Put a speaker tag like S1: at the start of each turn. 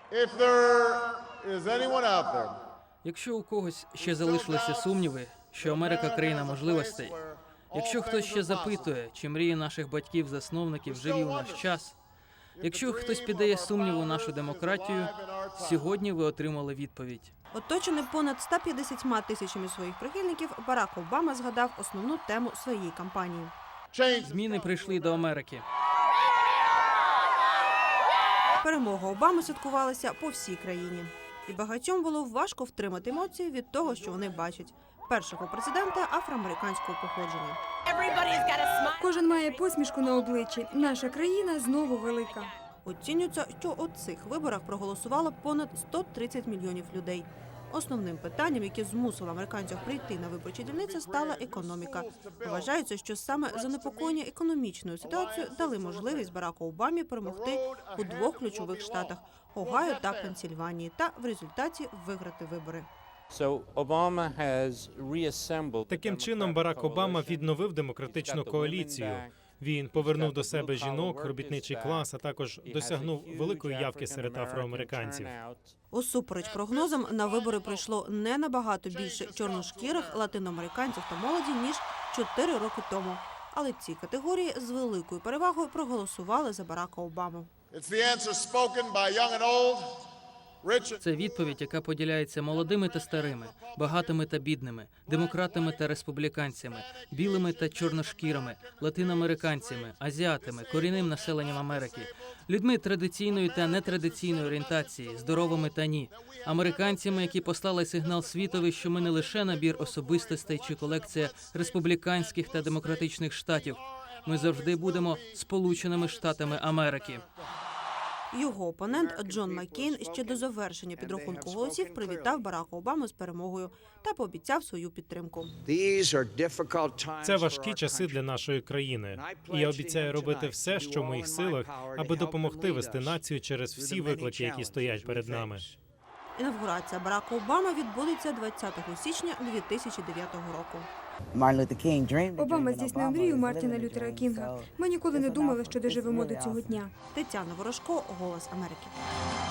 S1: Якщо у когось ще залишилися сумніви, що Америка – країна можливостей, якщо хтось ще запитує, чи мрії наших батьків-засновників живі у наш час, якщо хтось піддає сумніву нашу демократію, сьогодні ви отримали відповідь.
S2: Оточений понад 150 тисячами своїх прихильників, Барак Обама згадав основну тему своєї кампанії.
S1: Зміни прийшли до Америки.
S2: Перемога Обами святкувалася по всій країні. І багатьом було важко втримати емоції від того, що вони бачать. Першого президента афроамериканського походження.
S3: Кожен має посмішку на обличчі. Наша країна знову велика.
S2: Оцінюється, що у цих виборах проголосувало понад 130 мільйонів людей. Основним питанням, яке змусило американців прийти на виборчі дільниці, стала економіка. Вважається, що саме занепокоєння економічною ситуацією дали можливість Бараку Обамі перемогти у двох ключових штатах – Огайо та Пенсільванії, та в результаті виграти вибори.
S4: Таким чином, Барак Обама відновив демократичну коаліцію. Він повернув до себе жінок, робітничий клас, а також досягнув великої явки серед афроамериканців.
S2: Усупереч прогнозам, на вибори прийшло не набагато більше чорношкірих латиноамериканців та молоді, ніж 4 роки тому. Але ці категорії з великою перевагою проголосували за Барака Обаму.
S1: Це відповідь, яка поділяється молодими та старими, багатими та бідними, демократами та республіканцями, білими та чорношкірими, латиноамериканцями, азіатами, корінним населенням Америки, людьми традиційної та нетрадиційної орієнтації, здоровими та ні, американцями, які послали сигнал світові, що ми не лише набір особистостей чи колекція республіканських та демократичних штатів. Ми завжди будемо Сполученими Штатами Америки.
S2: Його опонент Джон Маккейн ще до завершення підрахунку голосів привітав Барака Обаму з перемогою та пообіцяв свою підтримку.
S4: Це важкі часи для нашої країни. І я обіцяю робити все, що в моїх силах, аби допомогти вести націю через всі виклики, які стоять перед нами.
S2: Інавгурація Барака Обами відбудеться 20 січня 2009 року.
S3: Обама здійснив мрію Мартіна Лютера Кінга. Ми ніколи не думали, що доживемо до цього дня.
S2: Тетяна Ворожко, «Голос Америки».